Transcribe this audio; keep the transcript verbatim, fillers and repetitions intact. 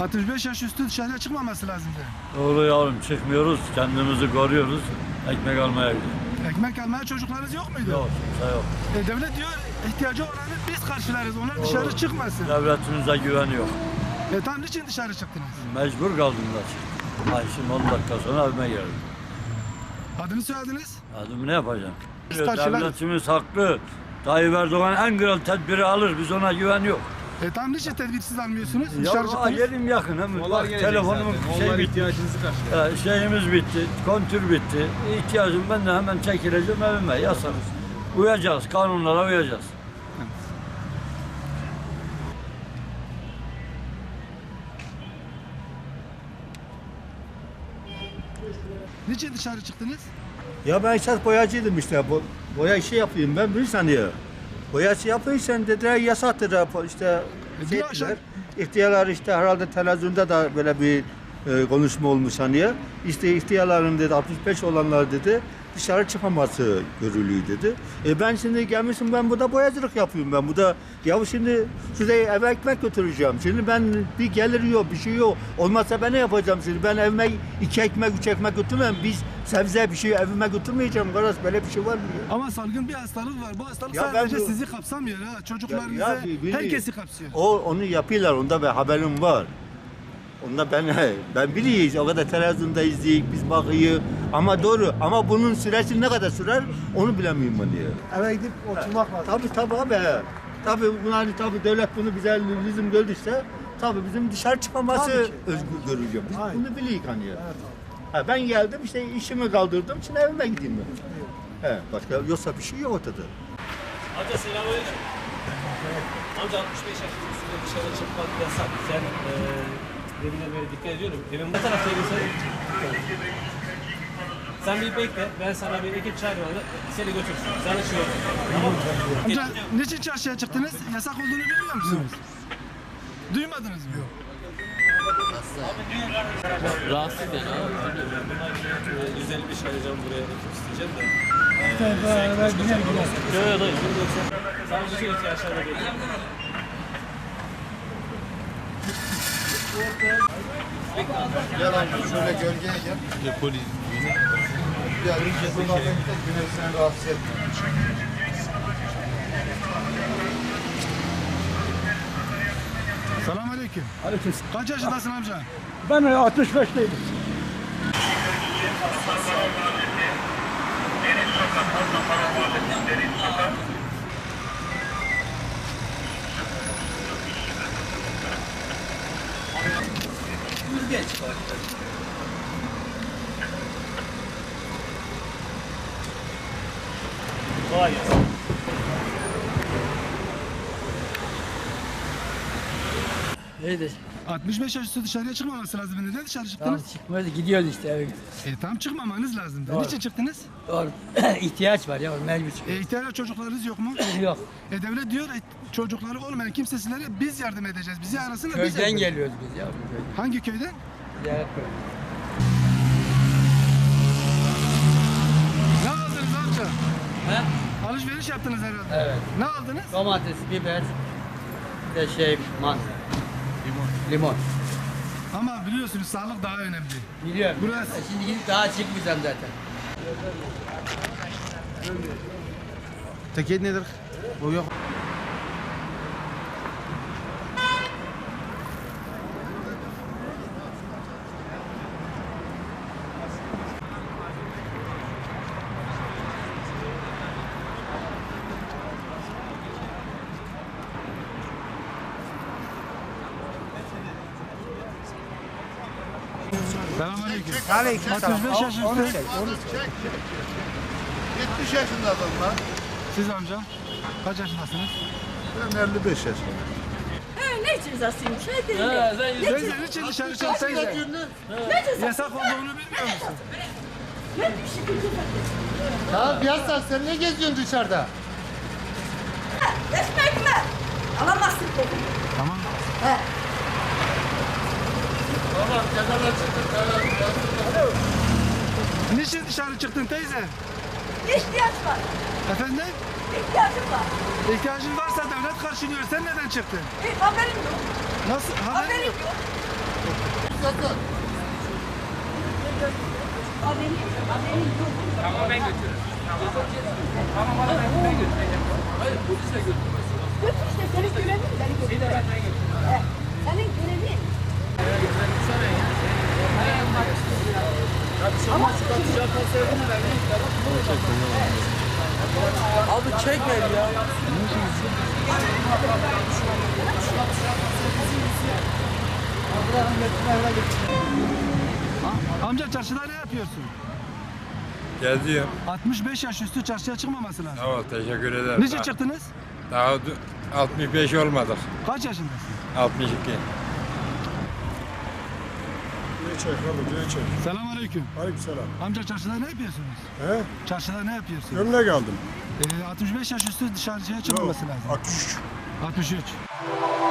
altmış beş yaş üstü dışarıya çıkmaması lazımdı. Doğru yavrum, çıkmıyoruz, kendimizi koruyoruz, ekmek almaya gidiyoruz. Ekmek almaya çocuklarınız yok muydu? Yok, kimse yok. E, devlet diyor ihtiyacı olanı biz karşılarız, onlar dışarı Doğru. çıkmasın. Devletimize güveni yok. E tam niçin dışarı çıktınız? Mecbur kaldım da çıktım. Ay şimdi on dakika sonra evime geldim. Adını söylediniz? Adımı ne yapacağım? Biz karşılarız. Devletimiz haklı. Tayyip Erdoğan en kral tedbiri alır, biz ona güven yok. E tam niçin tedbirsiz almıyorsunuz? Ya Dışarı aa, çıktınız. yerim yakın hem. Onlar Bak, gelecek telefonumun zaten. şey Onlar bitti. ihtiyacınızı karşılıyor. Ya, şeyimiz bitti, kontür bitti. İhtiyacım ben de hemen çekileceğim evime, yasanız. Uyacağız, kanunlara uyacağız. Niçin dışarı çıktınız? Ya ben esas boyacıydım işte. Bo boya işi yapayım ben bilirsen ya. Boya işi yapıyorsan dediler yasaktır işte. E, Şey bir akşam- ettiler. İhtiyarlar işte herhalde televizyonda da böyle bir e, konuşma olmuş hani ya. İşte ihtiyarların dedi altmış beş olanlar dedi dışarı çıkaması görülüyor dedi. E ben şimdi gelmişim ben burada boyacılık yapıyorum ben. Bu da ya şimdi şurada eve ekmek götüreceğim. Şimdi ben bir gelir yok bir şey yok. Olmazsa ben ne yapacağım şimdi? Ben evime iki ekmek üç ekmek götürmem. Biz sebze bir şey evime götürmeyeceğim. Kardeş böyle bir şey var mı ya? Ama salgın bir hastalık var. Bu hastalık Ya sadece ben bu- sizi kapsamıyor ha. Çocuklarınızı, Ya- ya bi- herkesi kapsıyor. O onu yapıyorlar. Onda ben haberim var. Onda ben ben biliyoruz. O kadar televizyonda izleyik, biz bakıyı. Ama doğru. Ama bunun süresi ne kadar sürer onu bilemiyorum ben ya. Eve gidip oturmak lazım. Tabii tabii abi. Tabii bunu hani tabii devlet bunu bize lüzum gördüyse tabii bizim dışarı çıkmaması Tabii ki. özgür görülüyor. Biz Aynen. bunu biliyoruz hani ya. Ha, ben geldim işte işimi kaldırdım. Şimdi evime gideyim ben. He, başka yoksa bir şey yok ortada. Amca selamünaleyküm. Amca altmış beş yaş üstünde dışarı çıkmak yasak. Sen eee deminden beri dikkat ediyorum. Evin bu taraftaydın sen. Sen bir bekle. Ben sana bir ekip çağırıyorum. Seni götürsün. Sana şey olur. Tamam mı? Amca niçin çarşıya çıktınız? Yasak olduğunu bilmiyor musunuz? Duymadınız mı? Yok. Rahatsız yani abi. Eee, yüz elli beş arayacağım buraya ekip isteyeceğim de. Beraber gider gider. Yok yok dayı. Sana bütün ihtiyaçlarına bekliyorum. Gel amca şöyle gölgeye gel. Ya polis. Ya buradan güneş seni rahatsız etmiyor. Selamünaleyküm. Aleyküm. Kaç yaşındasın amca? Ben altmış beşteyim. Kolay gelsin. İyidir. altmış beş yaş üstü dışarıya çıkmaması lazım. Neden dışarı Tamam çıktınız? çıkmıyoruz gidiyoruz işte eve. E tam çıkmamanız lazımdı. Doğru. Niçin çıktınız? Doğru. ihtiyaç var ya mecbur E çıkıyoruz. ihtiyar çocuklarınız yok mu? Yok. E devlet diyor e, çocukları olmayan kimsesizlere biz yardım edeceğiz. Bizi arasınlar biz Köyden yardım- geliyoruz biz ya. bu köyden. Hangi köyden? Ziyaret köy. Ne aldınız amca? He? Alışveriş yaptınız herhalde. Evet. Ne aldınız? Domates, biber, bir de şey man. Limon. Limon. Ama biliyorsunuz sağlık daha önemli. Biliyorum. Burası- E Şimdi gidip daha çıkmayacağım zaten. Teket nedir? O yok. Selamünaleyküm. Aleyküm altmış beş yaş üstü. yetmiş yaşında adam lan. Siz amca kaç yaşındasınız? Ben elli beş yaşındayım. He, ne cezasıymış? Hadi. He, sen yüz Teyze niçin dışarı çıktınız? Ne cezası? Yasak olduğunu bilmiyor musun? Ne bir şey Ya Biyazlar sen ne geziyorsun dışarıda? Ekmek mi? Alamazsın dedim. Tamam. He. Tamam kenara çıktık. Niçin dışarı çıktın teyze? İhtiyaç var. Efendim? İhtiyacım var. İhtiyacın varsa devlet karşılıyor. Sen neden çıktın? E, haberim yok. Nasıl? Haberin Haberim yok. yok. Götür işte senin görevin beni götür. He, senin görevin. Abi çek ver ya. Amca çarşıda ne yapıyorsun? Geziyorum. altmış beş yaş üstü çarşıya çıkmaması lazım. Sağ ol, teşekkür ederim. Niçin Daha- çıktınız? Daha du- altmış beş olmadık. Kaç yaşındasın? altmış iki. Selamünaleyküm. Aleykümselam. Amca çarşıda ne yapıyorsunuz? He? Çarşıda ne yapıyorsunuz? Gömlek aldım. Ee, altmış beş yaş üstü dışarıya çıkmaması lazım. altmış üç. altmış üç.